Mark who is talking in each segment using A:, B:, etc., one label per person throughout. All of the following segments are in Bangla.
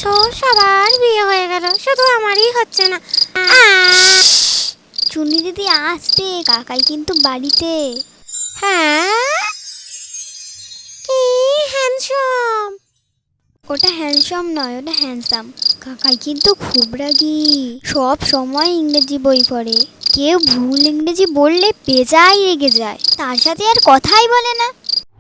A: বছর সবার বিয়ে হয়ে গেল, শুধু আমারই হচ্ছে না।
B: চুনি দিদি আসতে, কাকাই কিন্তু বাড়িতে।
A: হ্যাঁ, কি হ্যান্ডসাম।
B: ওটা হ্যান্ডসাম নয়, ওটা হ্যান্ডসাম। কাকাই কিন্তু খুব রাগী, সব সময় ইংরেজি বই পড়ে। কেউ ভুল ইংরেজি বললে বেজায় রেগে যায়, তার সাথে আর কথাই বলে না।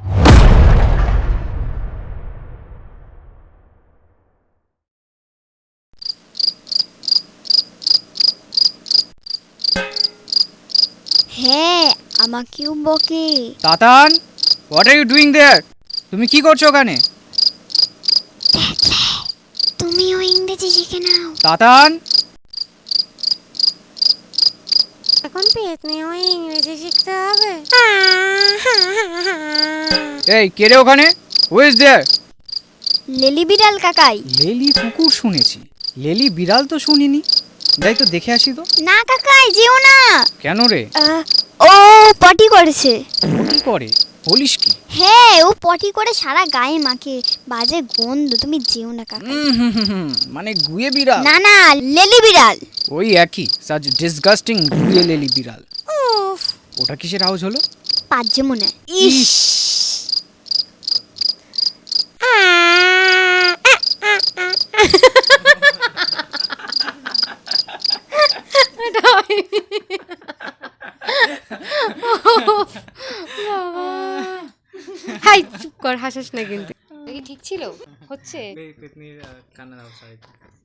B: হ্যাঁ, আমাকেও বকে।
C: Tatan, what are you doing there? তুমি কি করছো ওখানে?
B: তুমিও ইংরেজি শিখে নাও।
C: তাতান,
A: এখন পেট নিয়েও ইংরেজি শিখতে হবে?
C: এই কে রে ওখানে? Who is there?
B: লেলি বিড়াল কাকাই।
C: লেলি কুকুর শুনেছি, লেলি বিড়াল তো শুনিনি। যাই তো দেখে আসি তো।
B: না কাকাই, যেও না।
C: কেন রে?
B: ও পটি করেছে।
C: কি করে? বলিস কি?
B: হ্যাঁ, ও পটি করে সারা গায়ে মাখে, বাজে গন্ধ, তুমি যেও না কাকাই।
C: মানে গুয়ে বিড়াল?
B: না না, লেলি বিড়াল।
C: ওই একই, সাচ ডিসগাস্টিং গুয়ে লেলি বিড়াল।
A: উফ,
C: ওটা কিসের আওয়াজ হলো?
B: পাজ্যে মনে হয়।
C: ইস,
A: হাই চুপ কর, হাসাস না কিন্তু। কি ঠিক ছিল? হচ্ছে
C: পেতনির কান্না দাও সরি।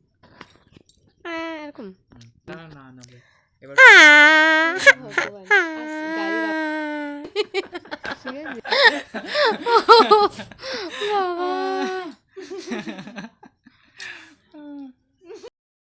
A: এরকম।
C: না না না, এবার
A: ভগবান, গাড়ি